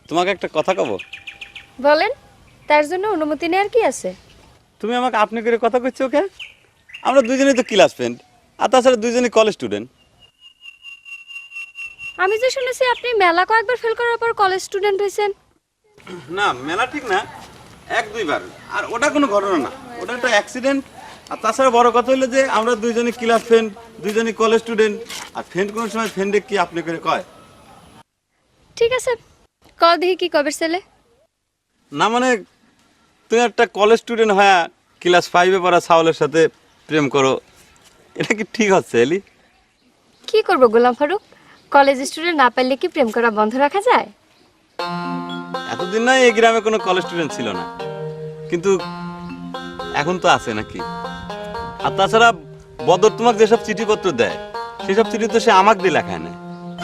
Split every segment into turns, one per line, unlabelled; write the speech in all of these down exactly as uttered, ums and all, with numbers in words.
তোমাকে একটা কথা কব।
বলেন, তার জন্য অনুমতি নেওয়ার কি আছে?
তুমি আমাকে আপনি করে কথা কইছো ওকে? আমরা দুইজনেই তো ক্লাস ফ্রেন্ড, আর তাছাড়া দুইজনই কলেজ স্টুডেন্ট।
আমি যে শুনেছি আপনি মেলা কয়েকবার ফেল করার পর কলেজ স্টুডেন্ট হয়েছেন।
না, মেলা ঠিক না, এক দুইবার। আর ওটা কোনো ঘটনা না, ওটা একটা অ্যাক্সিডেন্ট। আর তাছাড়া বড় কথা হলো যে আমরা দুইজনই ক্লাস ফ্রেন্ড, দুইজনই কলেজ স্টুডেন্ট। আর ফ্রেন্ড কোন সময় ফ্রেন্ডে কি আপনি করে কয়?
ঠিক আছে, ক দেখি কি কবে ছেলে।
না মানে, তুমি একটা কলেজ স্টুডেন্ট হয়ে ক্লাস ফাইভে পড়া সাওলের সাথে প্রেম করো, এটা কি ঠিক হচ্ছে এলি?
কি করব গোলাম ফারুক, কলেজ স্টুডেন্ট না পারলে কি প্রেম করা বন্ধ রাখা যায়?
এতদিন না এই গ্রামে কোনো কলেজ স্টুডেন্ট ছিল না, কিন্তু এখন তো আছে নাকি? আর তাছাড়া বদর তোমাকে যেসব চিঠিপত্র দেয় সেসব চিঠি তো সে আমাকে দিয়ে লেখায় না।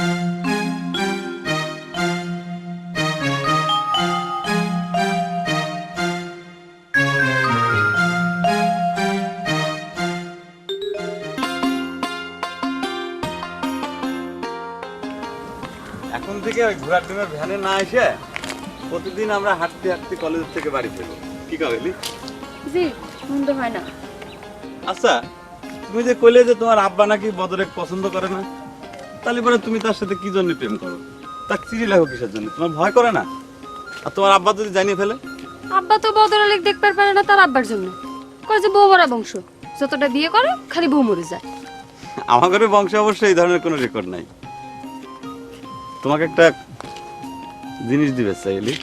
এখন থেকে ওই ঘোড়ার ডিমের ভ্যানে না এসে প্রতিদিন আমরা হাঁটতে হাঁটতে কলেজ থেকে বাড়ি ফিরবো, কি কাবেলি?
জি, মন্দ হয় না।
আচ্ছা, তুমি যে কইলে যে তোমার আব্বা নাকি বদরে পছন্দ করে না, তাহলে পরে তুমি তার সাথে কি জন্য প্রেম করো? তার চিঠি লেখো কিসের জন্য? তোমার ভয় করে না? আর তোমার আব্বা যদি জানিয়ে ফেলে?
আব্বা তো বদরালেক দেখতে পারে না তার আব্বার জন্য, কয় যে বউ মরা বংশ, যতটা বিয়ে করে খালি বউ মরে যায়।
আমার ঘরে বংশে অবশ্যই এই ধরনের কোনো রেকর্ড নাই। তোমাকে একটা জিনিস দিবে চাইলি।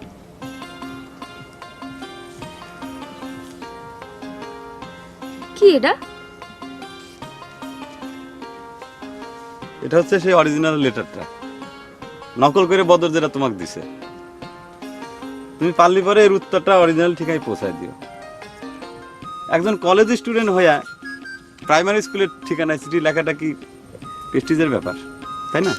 কি এটা?
এটা হচ্ছে সেই অরিজিনাল লেটারটা, নকল করে বদর যেটা তোমাকে দিছে। তুমি পারলি পরে এর উত্তরটা অরিজিনাল ঠিকাই পৌঁছায় দিও। একজন কলেজ স্টুডেন্ট হইয়া প্রাইমারি স্কুলের ঠিকানায় চিঠি লেখাটা কি প্রেস্টিজের ব্যাপার, তাই না?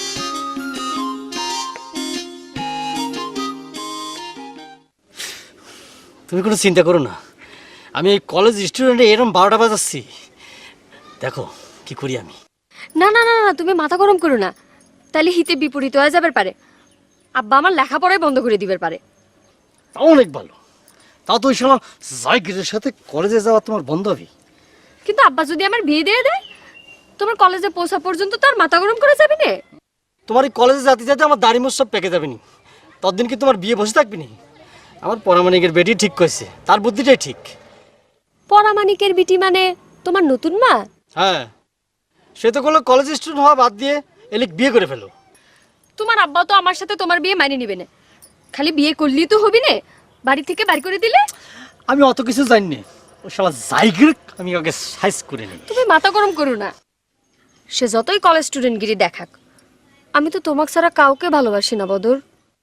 তুমি কোনো চিন্তা করো না, আমি এই কলেজ স্টুডেন্টে এরকম বারোটা বাজাচ্ছি, দেখো কি করি আমি।
না না না না, তুমি মাথা গরম করো না, তাহলে হিতে বিপরীত হয়ে যাবে পারে। আব্বা আমার লেখাপড়াই বন্ধ করে দিবে পারে।
তাও অনেক ভালো, তাও তো ওই সময় জায়গিরের সাথে কলেজে যাওয়া তোমার বন্ধ হবে।
কিন্তু আব্বা যদি আমার বিয়ে দিয়ে দেয়, তোমার কলেজে পৌঁছা পর্যন্ত তার মাথা গরম করে যাবে না।
তোমার এই কলেজে যাতে যাতে আমার দাড়ি মোছ সব পেকে যাবে নি, ততদিন কি তোমার বিয়ে বসে থাকবে নি? আমার পরামানিকের বেটি ঠিক করেছে, তার বুদ্ধিটাই ঠিক।
পরামানিকের বিটি মানে তোমার নতুন মা?
হ্যাঁ, সে তো করলো কলেজ স্টুডেন্ট হওয়া বাদ দিয়ে এলিক বিয়ে করে ফেলো।
তোমার আব্বা তো আমার সাথে তোমার বিয়ে মানিয়ে নিবে না, খালি বিয়ে করলেই তো হবি না, বাড়ি থেকে বাড়ি করে দিলে।
আমি অত কিছু জানি না, ও শালা জায়গির আমি আগে সাইজ করে নিই।
তুমি মাথা গরম করো না, সে যতই কলেজ স্টুডেন্ট গিরি দেখাক, আমি তো তোমাকে ছাড়া কাউকে ভালোবাসি না বদর।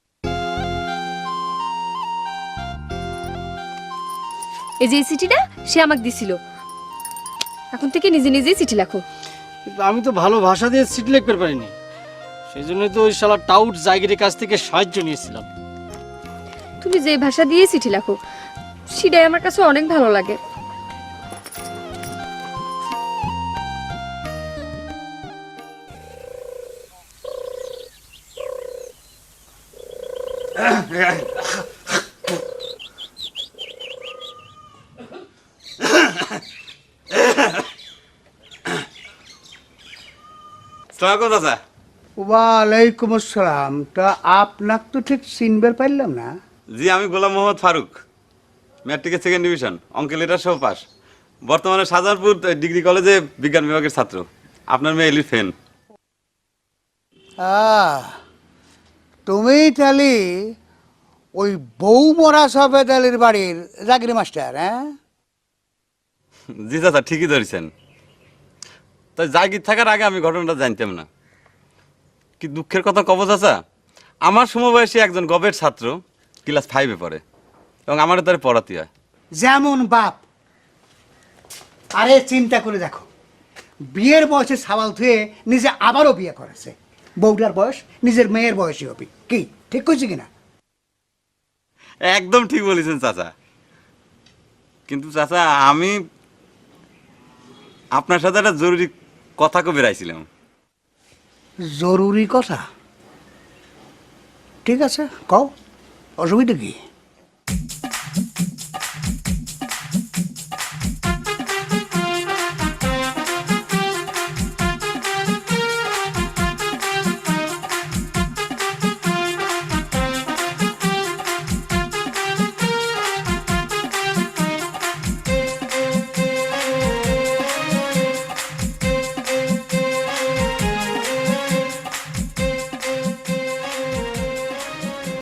এই যে চিঠিটা সে আমাকে দিছিল, এখন থেকে নিজে নিজেই চিঠি লেখো।
কিন্তু আমি তো ভালো ভাষা দিয়ে চিঠি লিখতে পারিনি, সেই জন্যই তো ওই শালা টাউট জায়গিরের কাছ থেকে সাহায্য নিয়েছিলাম।
তুমি যে ভাষা দিয়ে চিঠি লেখো সেটাই আমার কাছে অনেক ভালো লাগে।
সালাম চাচা।
ওয়ালাইকুম আসসালাম। তা আপনাকে তো ঠিক চিনবার পারলাম না।
জি, আমি গোলাম মোহাম্মদ ফারুক, ম্যাট্রিকের সেকেন্ড ডিভিশন, অঙ্ক লেটার সহ পাস। বর্তমানে শাহজাহানপুর ডিগ্রি কলেজে বিজ্ঞান বিভাগের ছাত্র। আপনার মেয়ে এলির ফ্যান।
আহ, তুমি তাহলে ওই বউ মরা সফেদ আলীর বাড়ির জাগরি মাস্টার? হ্যাঁ,
জি চাচা, ঠিকই ধরেছেন। তাই জাগির থাকার আগে আমি ঘটনাটা জানতাম না। কি দুঃখের কথা কব চাচা, আমার সমবয়সী একজন গবের ছাত্র ক্লাস ফাইভে পড়ে এবং আমারও তার পড়াতে হয়।
যেমন বাপ। আরে চিন্তা করে দেখো, বিয়ের বয়সে সাবাল ধুয়ে নিজে আবারও বিয়ে করেছে। বউটার বয়স নিজের মেয়ের বয়সী হবে। কি ঠিক কইছি কিনা?
একদম ঠিক বলেছেন চাচা। কিন্তু চাচা, আমি আপনার সাথে একটা জরুরি কথা কবে বেরাইছিলাম।
জরুরি কথা? ঠিক আছে কও অসুবিধা কি